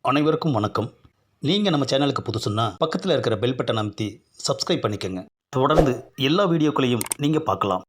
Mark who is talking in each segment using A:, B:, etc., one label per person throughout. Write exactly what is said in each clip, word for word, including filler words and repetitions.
A: அனைவருக்கும் வணக்கம். நீங்கள் நம்ம சேனலுக்கு புதுசுன்னா பக்கத்தில் இருக்கிற பெல் பட்டனை அமைத்தி சப்ஸ்கிரைப் பண்ணிக்கோங்க. தொடர்ந்து எல்லா வீடியோக்களையும் நீங்கள் பார்க்கலாம்.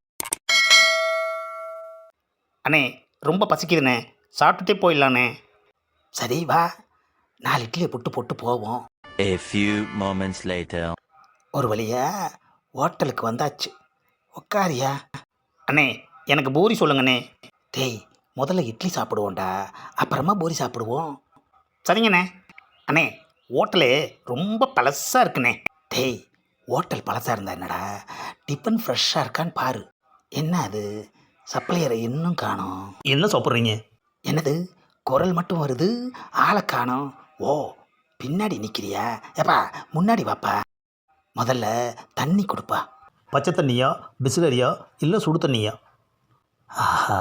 B: அண்ணே ரொம்ப பசிக்குதுண்ணே, சாப்பிட்டுட்டே போயிடலாண்ணே.
C: சரி வா, நாலு இட்லியை புட்டு போட்டு போவோம்.
D: A few moments later.
C: ஒரு வழியா ஹோட்டலுக்கு வந்தாச்சு. உக்காரியா?
B: அண்ணே எனக்கு பூரி சொல்லுங்கண்ணே.
C: டேய், முதல்ல இட்லி சாப்பிடுவோம்டா, அப்புறமா பூரி சாப்பிடுவோம்.
B: சரிங்கண்ணே. அண்ணே ஹோட்டலு ரொம்ப பழசாக இருக்குண்ணே.
C: டேய், ஹோட்டல் பழசாக இருந்தா என்னடா, டிஃபன் ஃப்ரெஷ்ஷாக இருக்கான்னு பாரு. என்ன அது, சப்ளையரை இன்னும் காணோம்.
A: என்ன சாப்பிட்றீங்க?
C: என்னது, குரல் மட்டும் வருது, ஆளை காணோம். ஓ, பின்னாடி நிற்கிறியா? ஏப்பா முன்னாடி வாப்பா. முதல்ல தண்ணி கொடுப்பா.
A: பச்சை தண்ணியா, பிஸ்லரியா, இல்லை சுடு தண்ணியா?
C: ஆஹா,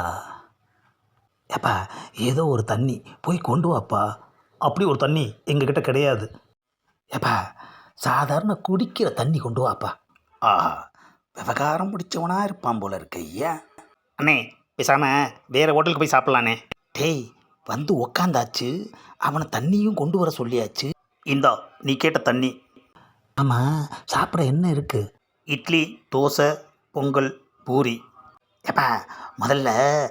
C: ஏப்பா ஏதோ ஒரு தண்ணி போய் கொண்டு வாப்பா.
A: அப்படி ஒரு தண்ணி எங்ககிட்ட கிடையாது.
C: ஏப்பா சாதாரண குடிக்கிற தண்ணி கொண்டு வாப்பா. ஆஹா, விவகாரம் பிடிச்சவனா இருப்பான் போல இருக்கு ஐயா.
B: அண்ணே பேசாமல் வேறு ஹோட்டலுக்கு போய் சாப்பிட்லாண்ணே.
C: டேய், வந்து உக்காந்தாச்சு, அவனை தண்ணியும் கொண்டு வர சொல்லியாச்சு.
B: இந்தா நீ கேட்ட தண்ணி.
C: ஆமாம், சாப்பிட என்ன இருக்குது?
B: இட்லி, தோசை, பொங்கல், பூரி.
C: ஏப்பா முதல்ல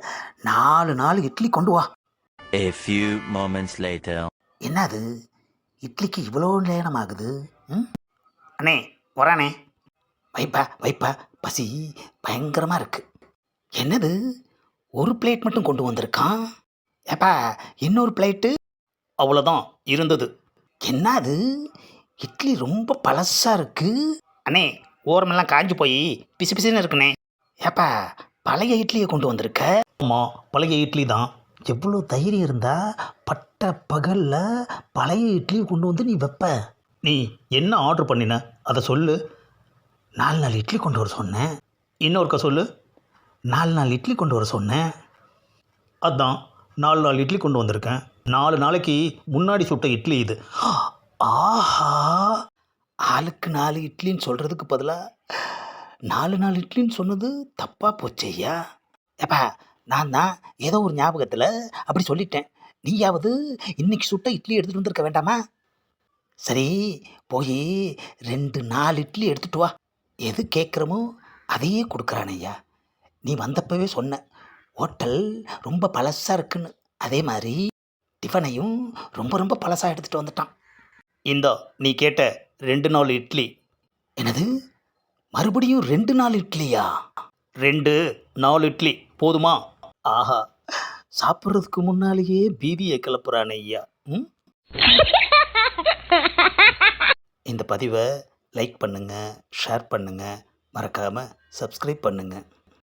C: நாலு நாலு இட்லி கொண்டு வா.
D: A few moments later.
C: என்னது, இட்லிக்கு இவ்வளோ நேரம் ஆகுது? ம்,
B: அண்ணே வரானே.
C: வைப்பா வைப்பா, பசி பயங்கரமாக இருக்கு. என்னது, ஒரு பிளேட் மட்டும் கொண்டு வந்திருக்கான். ஏப்பா இன்னொரு பிளேட்டு?
B: அவ்வளோதான் இருந்தது.
C: என்னது, இட்லி ரொம்ப பழசாக இருக்கு.
B: அண்ணே ஓரமெல்லாம் காஞ்சி போய் பிசு பிசுன்னு இருக்குண்ணே.
C: ஏப்பா பழைய இட்லியை கொண்டு வந்திருக்க.
A: ஆமாம், பழைய இட்லி தான்.
C: எவ்வளோ தைரியம் இருந்தா பட்ட பகலில் பழைய இட்லியை கொண்டு வந்து நீ வைப்ப?
A: நீ என்ன ஆர்டர் பண்ணின அதை சொல்லு.
C: நாலு நாலு இட்லி கொண்டு வர சொன்னேன்.
A: இன்னொருக்கா சொல்லு.
C: நாலு நாலு இட்லி கொண்டு வர சொன்னேன்.
A: அதான் நாலு நாலு இட்லி கொண்டு வந்திருக்கேன். நாலு நாளைக்கு முன்னாடி சுட்ட இட்லி இது.
C: ஆஹா, ஆளுக்கு நாலு இட்லின்னு சொல்கிறதுக்கு பதிலாக நாலு நாலு இட்லின்னு சொன்னது தப்பாக போச்சு ஐயா. ஏப்பா நான் தான் ஏதோ ஒரு ஞாபகத்தில் அப்படி சொல்லிட்டேன். நீயாவது இன்னைக்கு சுட்ட இட்லி எடுத்துகிட்டு வந்திருக்க வேண்டாமா? சரி, போய் ரெண்டு நாலு இட்லி எடுத்துகிட்டு வா. எது கேட்குறமோ அதையே கொடுக்குறான் ஐயா. நீ வந்தப்பவே சொன்ன ஹோட்டல் ரொம்ப பழசாக இருக்குன்னு. அதே மாதிரி டிஃபனையும் ரொம்ப ரொம்ப பழசாக எடுத்துகிட்டு வந்துட்டான்.
B: இந்தா நீ கேட்ட ரெண்டு நாலு இட்லி.
C: என்னது, மறுபடியும் ரெண்டு நாலு இட்லியா?
B: ரெண்டு நாலு இட்லி போதுமா?
C: ஆஹா, சாப்பிட்றதுக்கு முன்னாலேயே பீதியை கிளப்புறானே ஐயா. ம், இந்த பதிவை லைக் பண்ணுங்கள், ஷேர் பண்ணுங்கள், மறக்காமல் சப்ஸ்கிரைப் பண்ணுங்கள்.